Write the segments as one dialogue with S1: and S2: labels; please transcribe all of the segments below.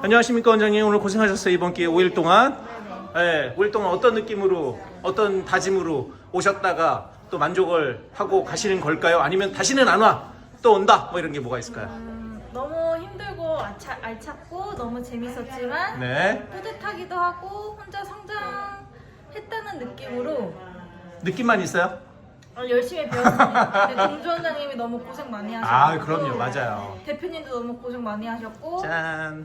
S1: 안녕하십니까 원장님. 오늘 고생하셨어요. 이번 기회에 5일 동안.
S2: 네네.
S1: 네, 5일 동안 어떤 느낌으로, 어떤 다짐으로 오셨다가 또 만족을 하고 가시는 걸까요? 아니면 다시는 안 와, 또 온다, 뭐 이런 게 뭐가 있을까요?
S2: 너무 힘들고 알찼고 너무 재밌었지만
S1: 네,
S2: 뿌듯하기도 하고 혼자 성장했다는 느낌으로
S1: 느낌만 있어요?
S2: 열심히 배웠습니다. 근데 동주 원장님이 너무 고생 많이 하셨고
S1: 아, 그럼요. 맞아요.
S2: 대표님도 너무 고생 많이 하셨고
S1: 짠.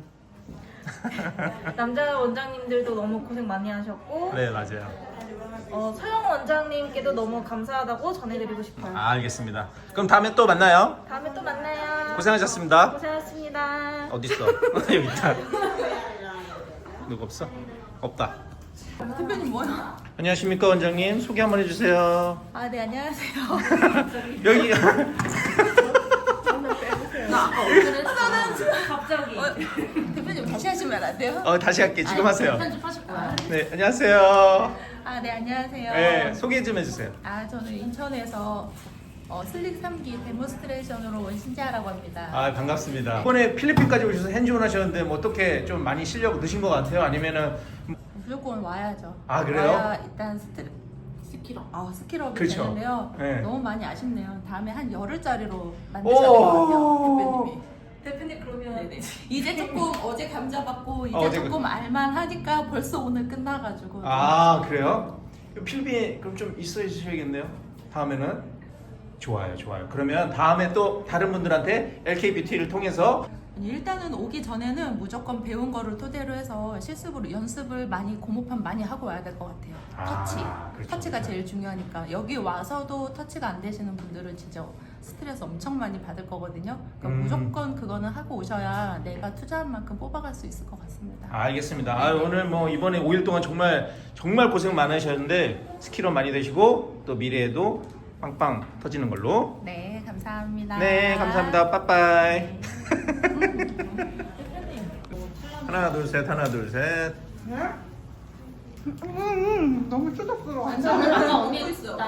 S2: 남자 원장님들도 너무 고생 많이 하셨고
S1: 네, 맞아요.
S2: 서영 원장님께도 너무 감사하다고 전해드리고 싶어요.
S1: 아, 알겠습니다. 그럼 다음에 또 만나요.
S2: 다음에 또 만나요.
S1: 고생하셨습니다.
S2: 고생하셨습니다.
S1: 어딨어? 여기 있다. 누구 없어? 없다.
S3: 대표님 뭐야?
S1: 안녕하십니까 원장님. 소개 한번 해주세요.
S3: 아, 네, 안녕하세요.
S1: 여기
S3: 나 아까 오늘은 갑자기. 대표님 다시 하시면 안 돼요?
S1: 다시 할게. 지금 하세요.
S3: 편집하실 거야.
S1: 네, 안녕하세요.
S3: 아, 네, 안녕하세요.
S1: 네, 소개 좀 해주세요.
S3: 아, 저는 인천에서 슬릭 3기 데모스트레이션으로 온 신지아라고 합니다.
S1: 아, 반갑습니다. 이번에 필리핀까지 오셔서 핸즈온 하셨는데 뭐 어떻게 좀 많이 실력 느신 것 같아요? 아니면은
S3: 무조건 와야죠.
S1: 아, 그래요?
S3: 와야 일단 스킬업이
S1: 그렇죠.
S3: 되는데요.
S1: 네.
S3: 너무 많이 아쉽네요. 다음에 한 열흘짜리로 만드셔야 될 것 같아요, 대표님이.
S2: 대표님 그러면
S3: 네네. 이제 조금 어제 감자 받고 이제
S1: 어제
S3: 조금 알만 하니까 벌써 오늘 끝나가지고.
S1: 아, 그래요? 필리핀 그럼 좀 있어 주셔야겠네요. 다음에는 좋아요, 좋아요. 그러면 다음에 또 다른 분들한테 LK 뷰티를 통해서
S3: 일단은 오기 전에는 무조건 배운 거를 토대로 해서 실습으로 연습을 많이 고무판 많이 하고 와야 될 것 같아요. 터치.
S1: 그렇죠,
S3: 터치가
S1: 그렇죠.
S3: 제일 중요하니까 여기 와서도 터치가 안 되시는 분들은 진짜 스트레스 엄청 많이 받을 거거든요. 그러니까 무조건 그거는 하고 오셔야 내가 투자한 만큼 뽑아갈 수 있을 것 같습니다.
S1: 알겠습니다. 아, 오늘 뭐 이번에 5일 동안 정말 고생 많으셨는데 스킬업 많이 되시고 또 미래에도 빵빵 터지는 걸로.
S3: 네, 감사합니다.
S1: 네, 감사합니다. 빠빠이. 하나 둘 셋, 하나 둘 셋.
S4: 너무 쭈덕스러워.
S3: 언니 있어.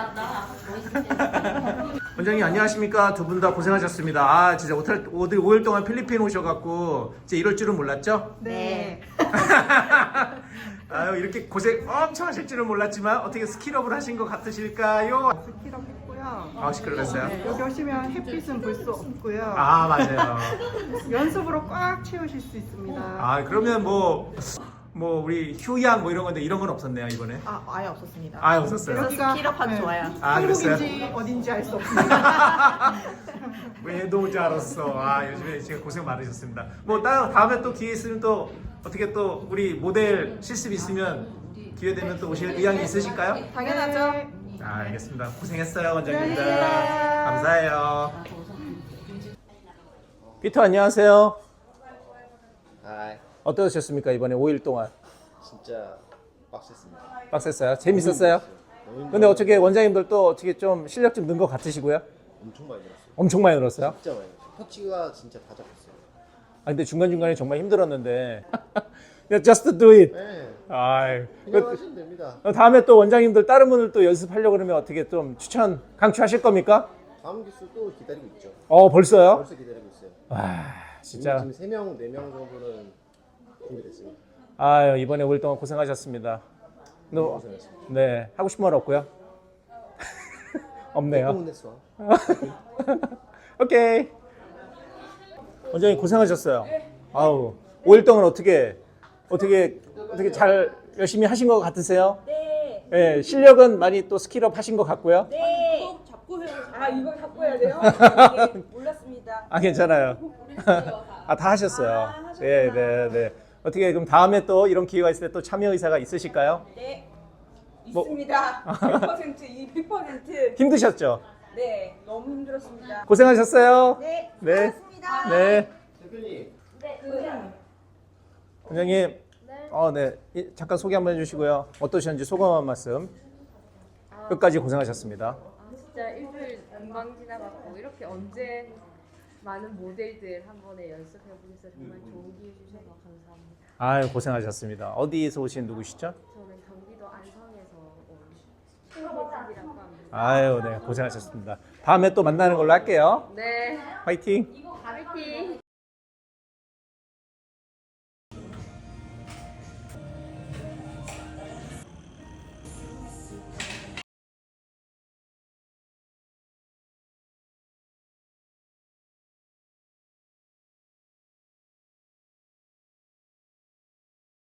S1: 원장님 안녕하십니까? 두 분 다 고생하셨습니다. 아, 진짜 5일 동안 필리핀 오셔갖고 이제 이럴 줄은 몰랐죠?
S4: 네.
S1: 아유, 이렇게 고생 엄청 하실 줄은 몰랐지만 어떻게 스킬업을 하신 것 같으실까요?
S4: 스킬업 했고요.
S1: 아, 스킬업했어요?
S4: 네, 여기 오시면 햇빛은 볼 수 없고요.
S1: 아, 맞아요.
S4: 연습으로 꽉 채우실 수 있습니다.
S1: 아, 그러면 뭐 우리 휴양 뭐 이런 건데 이런 건 없었네요 이번에.
S4: 아예 없었습니다.
S1: 아, 없었어요.
S4: 여기가
S2: 스킬업하기 좋아요.
S1: 아, 그랬어요?
S4: 한국인지 어딘지 알 수 없습니다.
S1: 외도자 알았어. 아, 요즘에 제가 고생 많으셨습니다. 뭐 다음에 또 기회 있으면 또 어떻게 또 우리 모델 실습 있으면 기회 되면 또 오실 의향이 있으실까요?
S4: 당연하죠.
S1: 아, 알겠습니다. 고생했어요 원장님들.
S4: 네.
S1: 감사해요. 피터 안녕하세요.
S5: 아,
S1: 어떠셨습니까 이번에 5일 동안?
S5: 진짜 빡셌습니다.
S1: 빡셌어요? 재밌었어요?
S5: 너무
S1: 근데 어떻게 원장님들 또 어떻게 좀 실력 좀 는 것 같으시고요?
S5: 엄청 많이 들었어요.
S1: 엄청 많이 늘었어요?
S5: 진짜 많이 들었어요. 터치가 진짜 다 잡혔어요.
S1: 아, 근데 중간중간에 정말 힘들었는데 just do it.
S5: 네,
S1: 아이,
S5: 그냥 하시면 됩니다.
S1: 다음에 또 원장님들 다른 분들 또 연습하려고 그러면 어떻게 좀 강추하실 겁니까?
S5: 다음 기수 또 기다리고 있죠.
S1: 벌써요?
S5: 벌써 기다리고 있어요.
S1: 와, 진짜.
S5: 지금 3명, 4명 정도는 준비됐습니다.
S1: 아유, 이번에 5일 동안 고생하셨습니다.
S5: 고생하셨습니다.
S1: 네, 하고 싶은 말 없고요. 없네요.
S5: 소문냈어.
S1: 오케이. 원장님 고생하셨어요. 아우, 5일 동안 어떻게 잘 열심히 하신 것 같으세요?
S2: 네.
S1: 네, 실력은 많이 또 스킬업 하신 것 같고요.
S2: 네.
S6: 이걸 잡고 해야 돼요? 네, 몰랐습니다.
S1: 아, 괜찮아요. 아, 다 하셨어요. 네, 네, 네. 어떻게 그럼 다음에 또 이런 기회가 있을 때 또 참여 의사가 있으실까요?
S6: 네,
S1: 뭐-
S6: 있습니다. 100%
S1: 힘드셨죠?
S6: 네, 너무 힘들었습니다.
S1: 고생하셨어요.
S6: 네,
S1: 네.
S6: 수고하셨습니다.
S1: 네.
S5: 대표님,
S1: 원장님. 네. 잠깐 소개 한번 해주시고요. 어떠셨는지 소감 한 말씀. 끝까지 고생하셨습니다.
S7: 진짜 일주일 금방 지나갔고 이렇게 언제 많은 모델들 한 번에 연습해 보셔서 정말 좋은 기회 주셔서 감사합니다.
S1: 아유, 고생하셨습니다. 어디에서 오신 누구시죠?
S7: 저는 경기도 안성에서 온 최혜진이라고 합니다.
S1: 아유, 네, 고생하셨습니다. 다음에 또 만나는 걸로 할게요.
S7: 네,
S1: 화이팅!
S7: 화이팅!